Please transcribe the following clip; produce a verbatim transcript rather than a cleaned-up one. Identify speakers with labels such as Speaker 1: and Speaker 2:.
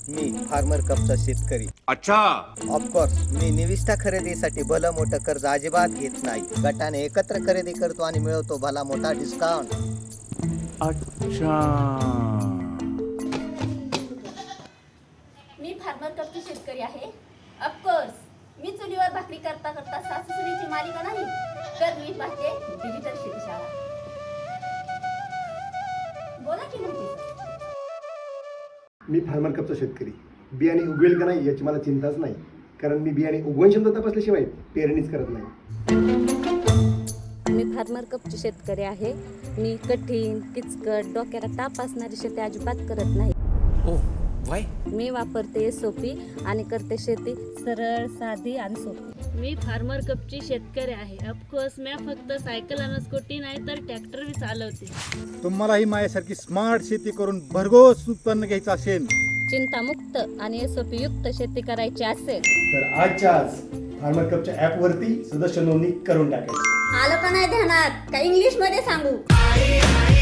Speaker 1: मी farmer कपचा शेतकरी.
Speaker 2: अच्छा.
Speaker 1: Of course मी निविष्ठा खरेदीसाठी भलं मोठं कर्ज अजिबात घेत नाही. गटाने एकत्र खरेदी करतो आणि मिळवतो भला मोठा डिस्काउंट.
Speaker 2: अच्छा.
Speaker 3: मी फार्मर कपची शेतकरी आहे. ऑफकोर्स मी चुलीवर भाकरी करता करता सासूसुनेची मालिका नाही, तर मी पाहते डिजिटल शेतीशाळा. बोला की म्हणते.
Speaker 4: मी फार्मर कपचा शेतकरी. बियाणे उगवेल का नाही याची मला चिंताच नाही, कारण मी बियाणे उगवण क्षमता तपासल्याशिवाय पेरणीच करत नाही.
Speaker 5: मी फार्मर कपची शेतकरी आहे. मी कठीण, किचकट, डोक्याला ताप असणारी शेती अजिबात करत नाही.
Speaker 2: ओ वाय.
Speaker 5: मी वापरते एस ओ पी आणि करते शेती सरळ, साधी आणि सोपी.
Speaker 6: मी फार्मर कपची शेतकरी आहे. ऑफकोर्स मी फक्त सायकल आणि स्कूटी नाही तर ट्रॅक्टर बी चालवते.
Speaker 7: तुम्हालाही माझ्यासारखी स्मार्ट शेती करून भरघोस उत्पन्न घ्यायचं असेल,
Speaker 5: चिंतामुक्त आणि एस ओ पी युक्त शेती करायची असेल
Speaker 4: तर आजच्या आज फार्मर कपच्या ॲपवरती सदस्य नोंदणी करून टाकायची.
Speaker 3: आलं का नाही ध्यानात? का इंग्लिश मध्ये सांगू?